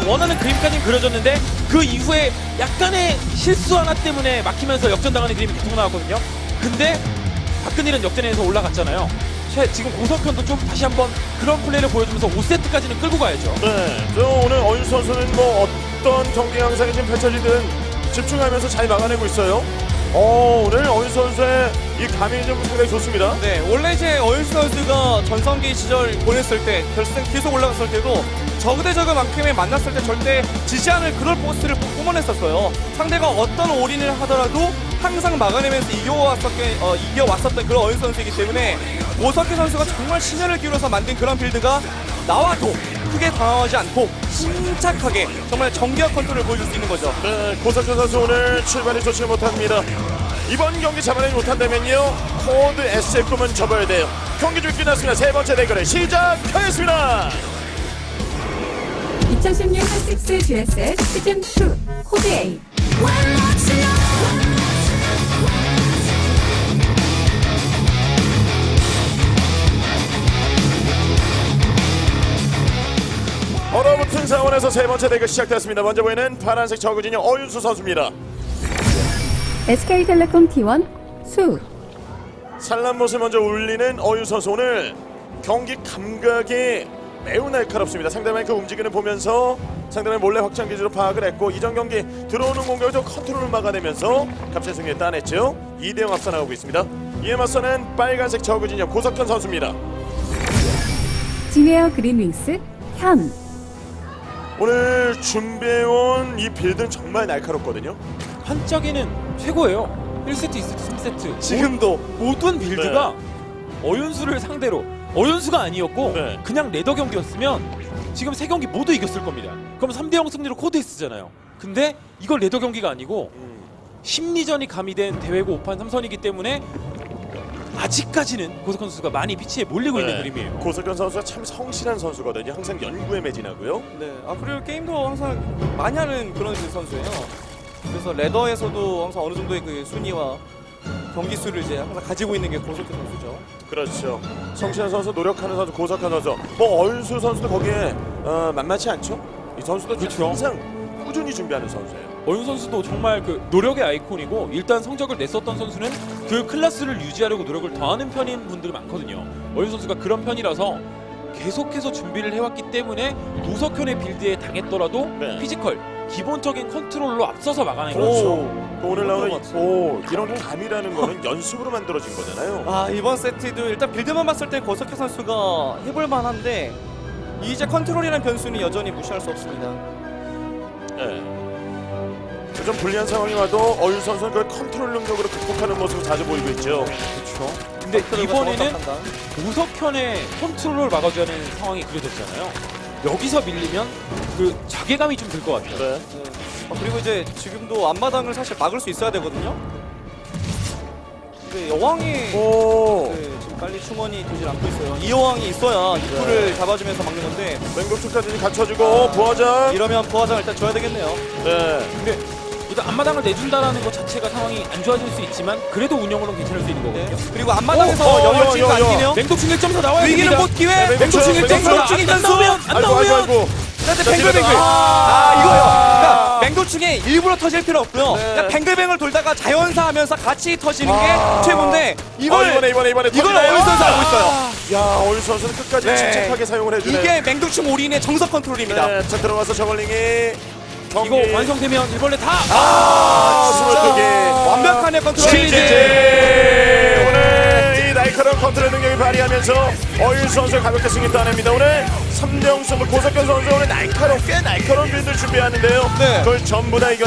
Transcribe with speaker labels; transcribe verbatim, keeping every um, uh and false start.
Speaker 1: 원하는 그림까지는 그려졌는데 그 이후에 약간의 실수 하나 때문에 막히면서 역전당하는 그림이 계속 나왔거든요. 근데 박근일은 역전에서 올라갔잖아요. 최, 지금 고석현도 좀 다시 한번 그런 플레이를 보여주면서 오 세트까지는 끌고 가야죠.
Speaker 2: 네, 저 오늘 어윤 선수는 뭐 어떤 경기 양상이 지금 펼쳐지든 집중하면서 잘 막아내고 있어요. 어, 오늘 어윤 선수의 이 감이 좀 상당히 좋습니다.
Speaker 3: 네, 원래 이제 어윤수 선수가 전성기 시절 보냈을 때 결승 계속 올라갔을 때도 저그 대 저그만큼에 만났을 때 절대 지지 않을 그럴 포스를 뿜어냈었어요. 상대가 어떤 올인을 하더라도 항상 막아내면서 이겨왔었던, 어, 이겨왔었던 그런 어윤수 선수이기 때문에 오석희 선수가 정말 신혈을 기울여서 만든 그런 빌드가 나와도 크게 당황하지 않고 침착하게 정말 정교한 컨트롤을 보여줄 수 있는 거죠.
Speaker 2: 네, 고석현 선수 오늘 출발이 좋지 못합니다. 이번 경기 잡아내지 못한다면요, 코드 에스의 꿈은 접어야 돼요. 경기 중 끝났습니다. 세 번째 대결을 시작하겠습니다.
Speaker 4: 이천십육 한식스 지에스에스 시즌 투 코드 A.
Speaker 2: 얼어붙은 상황에서 세 번째 대결 시작됐습니다. 먼저 보이는 파란색 저그 진영 어윤수 선수입니다.
Speaker 4: 에스케이텔레콤 티 원 수.
Speaker 2: 산란못을 먼저 울리는 어윤수 선수. 오늘 경기 감각이 매우 날카롭습니다. 상대방의 그 움직임을 보면서 상대방의 몰래 확장 기지로 파악을 했고, 이전 경기 들어오는 공격을 좀 컨트롤을 막아내면서 값진 승리를 따냈죠. 이 대 영 앞서 나가고 있습니다. 이에 맞서는 빨간색 저그 진영 고석현 선수입니다.
Speaker 4: 진에어 그린윙스 현.
Speaker 2: 오늘 준비해온 이 빌드는 정말 날카롭거든요.
Speaker 1: 한적이는 최고예요. 일 세트, 이 세트, 삼 세트.
Speaker 3: 지금도
Speaker 1: 모든 빌드가 어윤수를 상대로 어윤수가 아니었고
Speaker 2: 네.
Speaker 1: 그냥 레더 경기였으면 지금 세 경기 모두 이겼을 겁니다. 그럼 삼 대 영 승리로 코드에스잖아요. 근데 이걸 레더 경기가 아니고 심리전이 가미된 대회고 오 판 삼 선이기 때문에 아직까지는 고석현 선수가 많이 피치에 몰리고 있는 그림이에요.
Speaker 2: 고석현 선수가 참 성실한 선수거든요. 항상 연구에 매진하고요.
Speaker 3: 네, 아 그리고 게임도 항상 많이 하는 그런 선수예요. 그래서 레더에서도 항상 어느 정도의 그 순위와 경기 수를 이제 항상 가지고 있는 게 고석현 선수죠.
Speaker 2: 그렇죠. 성실한 선수, 노력하는 선수, 고석현 선수. 뭐 어윤수 선수도 거기에 어, 만만치 않죠. 이 선수도
Speaker 1: 그렇죠.
Speaker 2: 항상 꾸준히 준비하는 선수예요.
Speaker 1: 어윤 선수도 정말 그 노력의 아이콘이고, 일단 성적을 냈었던 선수는 그 클래스를 유지하려고 노력을 더하는 편인 분들이 많거든요. 어윤 선수가 그런 편이라서 계속해서 준비를 해왔기 때문에 노석현의 빌드에 당했더라도
Speaker 2: 네.
Speaker 1: 피지컬, 기본적인 컨트롤로 앞서서 막아내는
Speaker 2: 그렇죠.
Speaker 1: 거죠.
Speaker 2: 그 오늘 나오는 이-
Speaker 3: 맞죠.
Speaker 2: 오, 이런 감이라는 거는 연습으로 만들어진 거잖아요.
Speaker 3: 아 이번 세트도 일단 빌드만 봤을 때 고석현 선수가 해볼 만한데 이제 컨트롤이라는 변수는 여전히 무시할 수 없습니다.
Speaker 2: 네. 좀 불리한 상황이 와도 어윤 선수는 그걸 컨트롤 능력으로 극복하는 모습을 자주 보이고 있죠.
Speaker 1: 그렇죠. 근데
Speaker 3: 컨트롤과
Speaker 1: 이번에는
Speaker 3: 정확한 판단.
Speaker 1: 노석현의 컨트롤을 막아줘야 하는 상황이 그려졌잖아요. 여기서 밀리면 그 자괴감이 좀 들 것 같아요.
Speaker 2: 네.
Speaker 3: 네. 아, 그리고 이제 지금도 앞마당을 사실 막을 수 있어야 되거든요. 근데 여왕이
Speaker 2: 오.
Speaker 3: 네, 지금 빨리 충원이 되질 않고 있어요. 이 여왕이 있어야 입구를
Speaker 2: 네.
Speaker 3: 잡아주면서 막는 건데
Speaker 2: 맹독충까지 갖춰주고 부하장.
Speaker 3: 이러면 부하장 일단 줘야 되겠네요.
Speaker 2: 네.
Speaker 1: 근데 일단 앞마당을 내준다라는 것 자체가 상황이 안 좋아질 수 있지만 그래도 운영으로는 괜찮을 수 있는
Speaker 3: 네.
Speaker 1: 거거든요.
Speaker 3: 그리고 앞마당에서
Speaker 2: 오, 어,
Speaker 3: 영월 찍고
Speaker 2: 여, 여,
Speaker 3: 안
Speaker 2: 여.
Speaker 3: 뛰네요.
Speaker 1: 맹독충 일 점 더 나와야
Speaker 3: 위기는
Speaker 1: 됩니다.
Speaker 3: 못 기회.
Speaker 2: 네,
Speaker 1: 맹독충 일 점 더
Speaker 2: 맹독충
Speaker 1: 안 나오면 안
Speaker 2: 아이고
Speaker 1: 나오면
Speaker 2: 아이고 아이고.
Speaker 3: 근데
Speaker 2: 자,
Speaker 3: 뱅글뱅글.
Speaker 2: 지금-
Speaker 3: 아, 이거요. 그러니까 맹도충에 일부러 터질 필요 없고요.
Speaker 2: 네.
Speaker 3: 그냥 뱅글뱅글 돌다가 자연사하면서 같이 터지는 게
Speaker 2: 아.
Speaker 3: 최고인데 이걸
Speaker 2: 어, 이번에 이번에 이번에
Speaker 3: 이걸
Speaker 2: 터지나요?
Speaker 3: 어윤 선수 알고 있어요.
Speaker 2: 야, 어윤 선수는 끝까지
Speaker 3: 네.
Speaker 2: 침착하게 사용을 해주네요.
Speaker 3: 이게 맹독충 올인의 정석 컨트롤입니다.
Speaker 2: 네, 자 들어가서 저걸링이 경기.
Speaker 1: 이거 완성되면 일벌레 다
Speaker 2: 아, 스물두 개.
Speaker 3: 완벽한 컨트롤.
Speaker 2: 지지. 오늘 이 날카로운 컨트롤 능력을 발휘하면서 어윤 선수 가볍게 승리 따냅니다. 오늘 삼 대 영 승부 고석현 선수 오늘 날카롭게 날카로운 빌드를 준비하는데요.
Speaker 3: 네.
Speaker 2: 그걸 전부 다 이겨.